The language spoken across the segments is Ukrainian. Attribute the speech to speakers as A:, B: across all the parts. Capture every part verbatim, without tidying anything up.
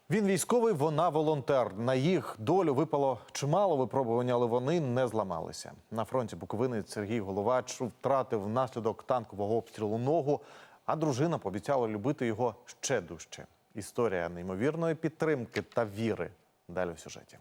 A: Він військовий, вона волонтер. На їх долю випало чимало випробувань, але вони не зламалися. На фронті Буковини Сергій Головач втратив внаслідок танкового обстрілу ногу, а дружина пообіцяла любити його ще дужче. Історія неймовірної підтримки та віри. Далі в сюжеті.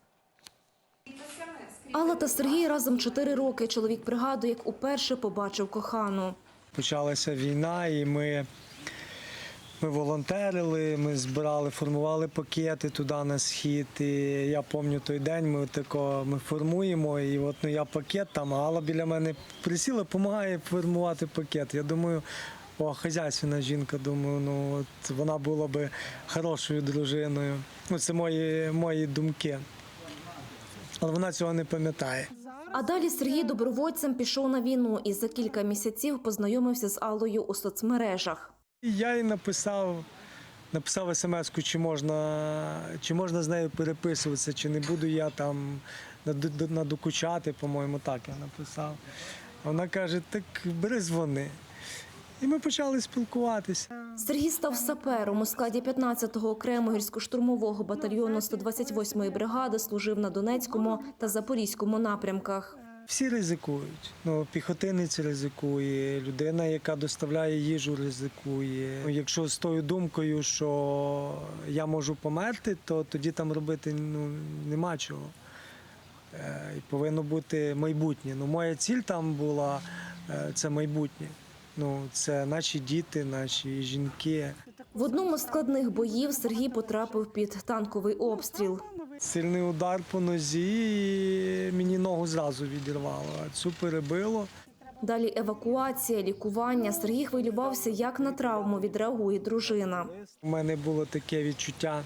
B: Алла та Сергій разом чотири роки. Чоловік пригадує, як уперше побачив кохану.
C: Почалася війна, і ми, ми волонтерили, ми збирали, формували пакети туди на схід. І я пам'ятаю той день, ми, тако, ми формуємо, і от ну, я пакет там, а Алла біля мене присіла, допомагає формувати пакет. Я думаю, о, хазяйственна жінка, думаю, ну от вона була би хорошою дружиною. Ну, це мої, мої думки. Але вона цього не пам'ятає.
B: А далі Сергій добровольцем пішов на війну і за кілька місяців познайомився з Аллою у соцмережах.
C: Я їй написав, написав смс-ку, чи можна, чи можна з нею переписуватися, чи не буду я там надокучати, по-моєму, так я написав. Вона каже, так бери дзвони. І ми почали спілкуватися.
B: Сергій став сапером у складі п'ятнадцятого окремого гірсько-штурмового батальйону сто двадцять восьмої бригади, служив на Донецькому та Запорізькому напрямках.
C: Всі ризикують. Ну, піхотинець ризикує, людина, яка доставляє їжу, ризикує. Якщо з тою думкою, що я можу померти, то тоді там робити ну, нема чого. І повинно бути майбутнє. Ну, моя ціль там була – це майбутнє. Ну, це наші діти, наші жінки.
B: В одному з складних боїв Сергій потрапив під танковий обстріл.
C: Сильний удар по нозі, і мені ногу зразу відірвало, а цю перебило.
B: Далі евакуація, лікування. Сергій хвилювався, як на травму відреагує дружина.
C: У мене було таке відчуття,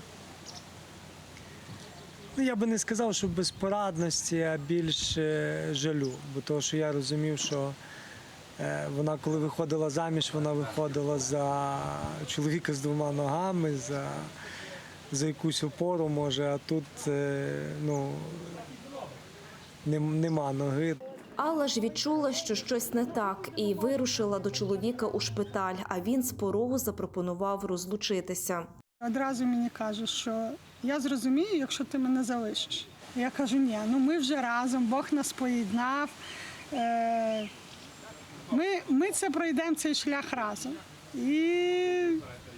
C: ну, я би не сказав, що безпорадності, а більше жалю. Бо того, що я розумів, що вона, коли виходила заміж, вона виходила за чоловіка з двома ногами, за, за якусь опору, може, а тут ну, нема ноги.
B: Алла ж відчула, що щось не так, і вирушила до чоловіка у шпиталь, а він з порогу запропонував розлучитися.
D: Одразу мені каже, що я зрозумію, якщо ти мене залишиш. Я кажу, ні, ну ми вже разом, Бог нас поєднав. Е Ми, ми це пройдемо, цей шлях разом. І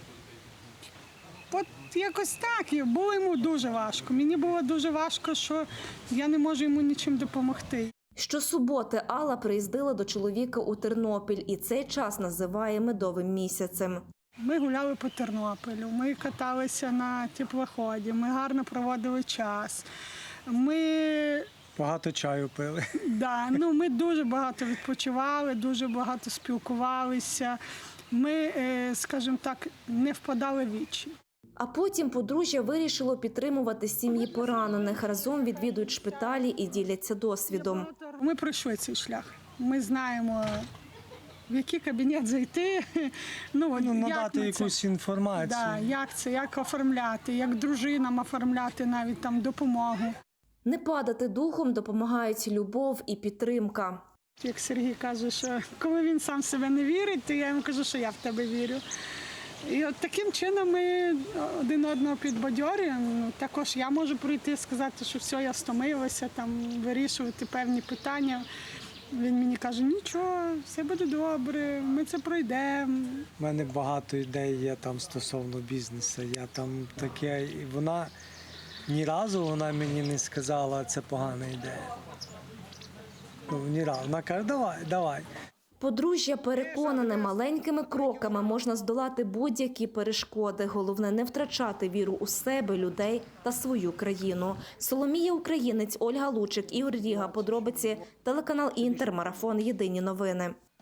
D: от якось так, було йому дуже важко. Мені було дуже важко, що я не можу йому нічим допомогти.
B: Щосуботи Алла приїздила до чоловіка у Тернопіль, і цей час називає медовим місяцем.
D: Ми гуляли по Тернополю, ми каталися на теплоході, ми гарно проводили час. Ми...
C: Багато чаю пили.
D: Да, ну, ми дуже багато відпочивали, дуже багато спілкувалися. Ми, скажімо так, не впадали в вічі.
B: А потім подружжя вирішило підтримувати сім'ї поранених. Разом відвідують шпиталі і діляться досвідом.
D: Ми пройшли цей шлях. Ми знаємо, в який кабінет зайти.
C: Ну, ну, надати якусь це, інформацію.
D: Да, як це, як оформляти, як дружинам оформляти навіть там допомогу.
B: Не падати духом допомагають любов і підтримка.
D: Як Сергій каже, що коли він сам в себе не вірить, то я йому кажу, що я в тебе вірю. І от таким чином ми один одного підбадьорюємо. Також я можу прийти і сказати, що все, я стомилася, там, вирішувати певні питання. Він мені каже, нічого, все буде добре, ми це пройдемо.
C: У мене багато ідей є там стосовно бізнесу. Я там таке, і вона... Ні разу вона мені не сказала, це погана ідея. Ну, ні разу. Вона каже, давай, давай.
B: Подружжя переконане, маленькими кроками можна здолати будь-які перешкоди. Головне – не втрачати віру у себе, людей та свою країну. Соломія Українець, Ольга Лучик, Ігор Ріга. Подробиці, телеканал Інтер, марафон «Єдині новини».